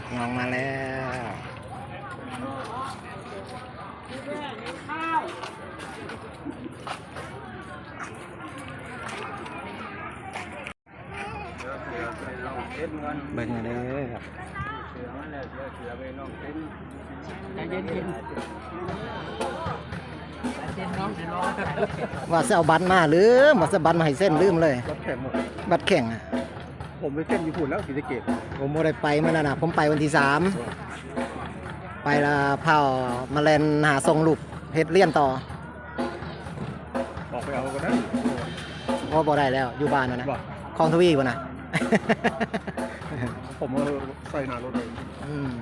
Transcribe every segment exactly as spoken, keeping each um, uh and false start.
งองมาแล้วเบิ่งเลยครับใจเย็นเย็นเย็นน้องจะรอว่าจะเอาบัตรมาหรือว่าจะบัตรมาให้เส้นลืมเลยบัตรแข่งหมดบัตรแข่งอ่ะผมไปเส้นญี่ปุ่นแล้วศรีสะเกษผมไม่ได้ไปมาแล้วนะผมไปวันที่สามไปละเผามาแลนหาทรงลูกเฮ็ดเลี่ยนต่อออกไปเอาก็ได้เพราะบ่ได้แล้วอยู่บ้านนะนะบอกคลองทวีป่ะนะผมเอาใส่หนารถเลยอืม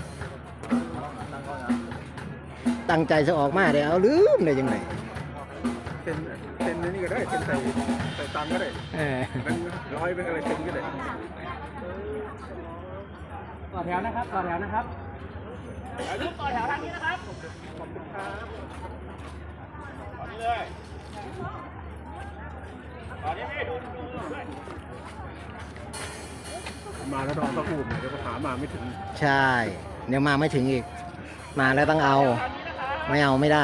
ตั้งใจจะออกมาเดี๋ยวเอาลืมได้ยังไงเส้นเส้นนี้ก็ได้เส้นใส่ใส่ตังก็ได้เออเป็นร้อยเป็นอะไรเส้นก็ได้ต่อแถวนะครับต่อแถวนะครับลุกต่อแถวทางนี้นะครับขอบคุณครับต่อนี้เลยต่อนี้ไม่ดูดูด้วยมาแล้วนอนตะกูเดี๋ยวก็หามาไม่ถึงใช่เดี๋ยวมาไม่ถึงอีกมาแล้วต้องเอาไม่เอาไม่ได้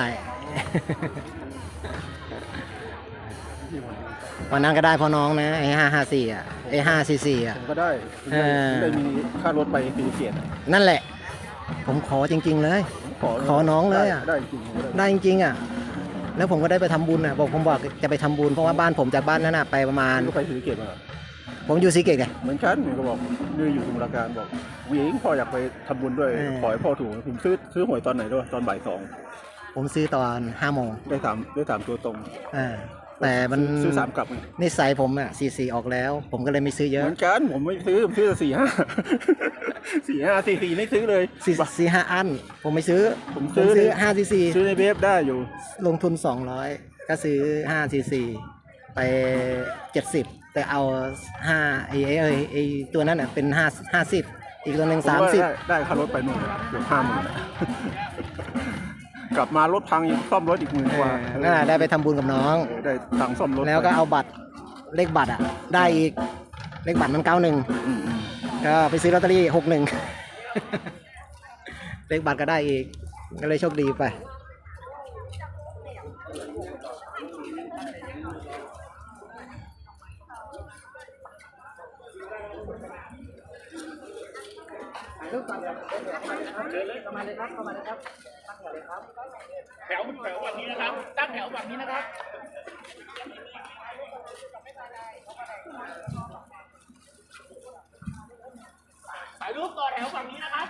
วันนั้นก็ได้พอน้องนะไอ้ห้าห้าสี่อ่ะไอ้ห้าสี่สี่อ่ะผมก็ได้เออได้มีค่ารถไปศรีสะเกษนั่นแหละ ผมขอจริง ๆ เลยขอขอน้องเลยอะได้จริงผมก็ได้ได้จริงๆอ่ะแล้วผมก็ได้ไปทำบุญอ่ะบอกผมบอกจะไปทำบุญเพราะว่าบ้านผมจากบ้านนั้นอ่ะไปประมาณก็ไปศรีสะเกษมาผมอยู่สีเกตไงเหมือนกันผมก็บอกนี่อยู่สมุทรปราการบอกวิ่งพ่ออยากไปทำบุญด้วยเออขอให้พ่อถูกผมซื้อซื้อหวยตอนไหนด้วยตอนบ่ายสองผมซื้อตอนห้าโมงได้สามได้สามตัวตรงอ่าแต่มันซื้อสามกลับไงนิสัยผมอ่ะสี่สี่ออกแล้ว ผมก็เลยไม่ซื้อเยเหอะมือนกันผมไม่ซื้อผมซื้อสี่ห้า สี่ห้าสี่สี่ไม่ซื้อเลยสี่สี่ห้าอันผมไม่ซื้อผมซื้อซื้อห้าสี่สี่ซื้อในเว็บได้อยู่ลงทุนสองร้อยก็ซื้อห้าสี่สี่ไปเจ็ดสิบแต่เอาห้าไอ้ไอ้ไอ้ไอ้ตัวนั้นอ่ะเป็นห้าห้าสิบอีกตัวหนึ่งผมสามว่าสิบได้ได้ค่ารถไปนู่นเกือบห้าหมื่น กลับมารถพังอีกซ่อมรถอีกหมื่นเอกว่าอนั่นแหละได้ไปทำบุญกับน้องเออได้ตังค์ซ่อมรถแล้วก็เอาบัตรเลขบัตรอ่ะได้อีกเลขบัตรมันเก้าหนึ่งอืมอืมก็ไปซื้อลอตเตอรี่หกหนึ่ง เลขบัตรก็ได้อีกก็เลยโชคดีไปแถวแถวแบบนี้นะครับตั้งแถวแบบนี้นะครับถ่ายรูปต่อแถวฝั่งนี้นะครับ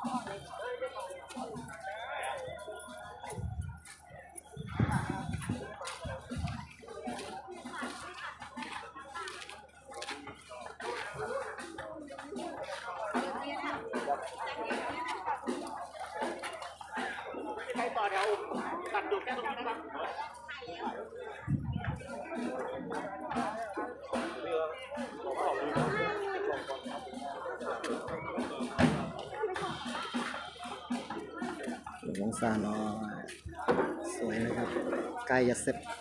ใครต่อแถวตัดจุดแค่ตรงนี้นะครับหลวงซาน้อยสวยนะครับใกล้จะเสร็จ